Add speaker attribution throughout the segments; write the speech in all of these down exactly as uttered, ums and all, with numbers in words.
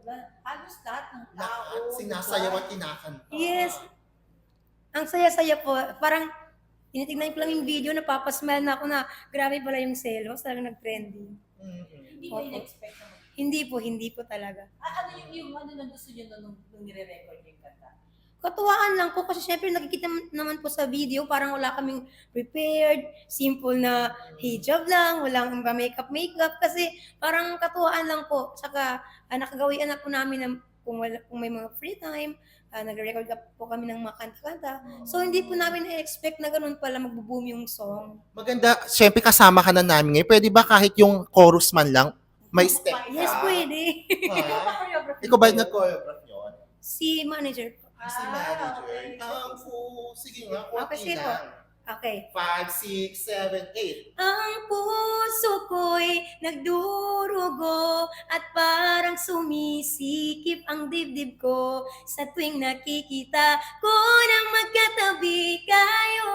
Speaker 1: La- halos lahat ng tao.
Speaker 2: Lahat
Speaker 1: di ba?
Speaker 2: sinasayaw at kinakanta.
Speaker 3: Yes. Ang saya-saya po. Parang tinitignan ko lang yung video, napapasmile na ako na grabe pala yung selos, talagang nag-trending.
Speaker 2: Mm-mm.
Speaker 1: Hindi ko
Speaker 3: Opo.
Speaker 1: in-expect na mag-
Speaker 3: Hindi po, hindi po talaga.
Speaker 1: Ah, ano yung, yung ano nang gusto nyo nung, nung nire-record yung kanta?
Speaker 3: Katuwaan lang po kasi syempre nakikita naman po sa video, parang wala kaming prepared, simple na hijab lang, walang iba makeup-makeup kasi parang katuwaan lang po. Saka uh, nakagawian na po namin ng, kung, wala, kung may mga free time, uh, nag-record po kami ng mga kanta-kanta. So hindi po namin na-expect na ganun pala magbo-boom yung song.
Speaker 2: Maganda, syempre kasama ka na namin ngayon. Pwede ba kahit yung chorus man lang, may step ka?
Speaker 3: Yes, pwede.
Speaker 2: Ha?
Speaker 1: Choreography
Speaker 2: Ikaw ba
Speaker 1: yun?
Speaker 2: nag-choreograph yun?
Speaker 3: Si manager po.
Speaker 2: Si
Speaker 1: Ah,
Speaker 2: manager.
Speaker 1: okay.
Speaker 2: Ah, po. Sige nga, konti
Speaker 3: Okay, sige po.
Speaker 2: lang.
Speaker 3: Okay.
Speaker 2: Five, six, seven, eight.
Speaker 3: Ang puso ko'y nagdurugo at parang sumisikip ang dibdib ko sa tuwing nakikita ko nang magkatabi kayo.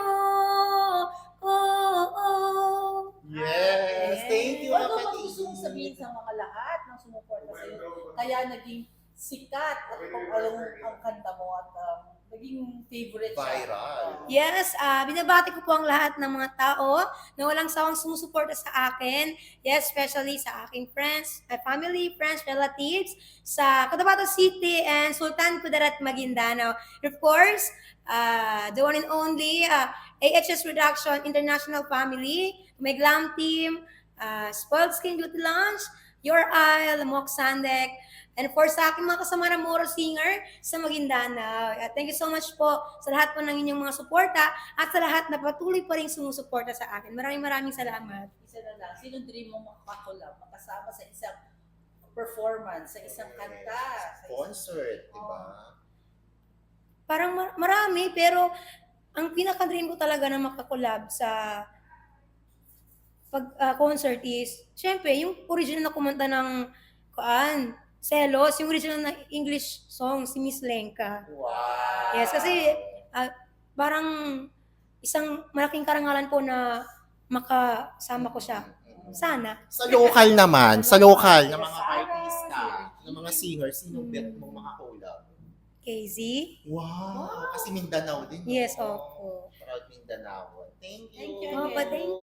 Speaker 3: Oh, oh.
Speaker 2: Yes, thank you,
Speaker 1: Ano
Speaker 2: kapatid.
Speaker 1: ba gusto mong sabihin sa mga lahat ng sumuporta sa iyo? Kaya naging sikat at kung alam ang kanta mo at um, naging favorite siya.
Speaker 2: Viral.
Speaker 3: Yes, ah binabati ko po ang lahat ng mga tao na walang sawang sumusuporta sa akin. Yes, especially sa aking friends, uh, family, friends, relatives, sa Cotabato City and Sultan Kudarat, Maguindanao. Of course, uh, the one and only uh, A H S Reduction International Family, my glam team, uh, Spoiled Skin Beauty Lounge, Your Isle, Mok Sandek, and of course, sa aking mga kasama na Moro Singer sa Maguindanao. Uh, thank you so much po sa lahat po ng inyong mga suporta at sa lahat na patuloy pa rin sumusuporta sa akin. Maraming maraming salamat.
Speaker 1: Isa na lang, sinong dream mo makakulab, makasama sa isang performance, sa isang kanta? Sa isang...
Speaker 2: Concert, di ba?
Speaker 3: Parang mar- marami, pero ang pinaka-dream ko talaga na makakolab sa pag ah, concert is, syempre, yung original na kumanta ng kuan, Selos, yung original na English song, si Miss Lenka.
Speaker 2: Wow.
Speaker 3: Yes, kasi ah, parang isang malaking karangalan po na makasama ko siya. Sana.
Speaker 2: Sa local naman, sa local na mga artista, ng mga singers, sino bet mong makakulab?
Speaker 3: K Z?
Speaker 2: Wow, kasi Mindanao din.
Speaker 3: Yes,
Speaker 2: no?
Speaker 3: opo.
Speaker 2: Proud Mindanao. Thank you.
Speaker 1: Thank you.
Speaker 3: Oh, but thank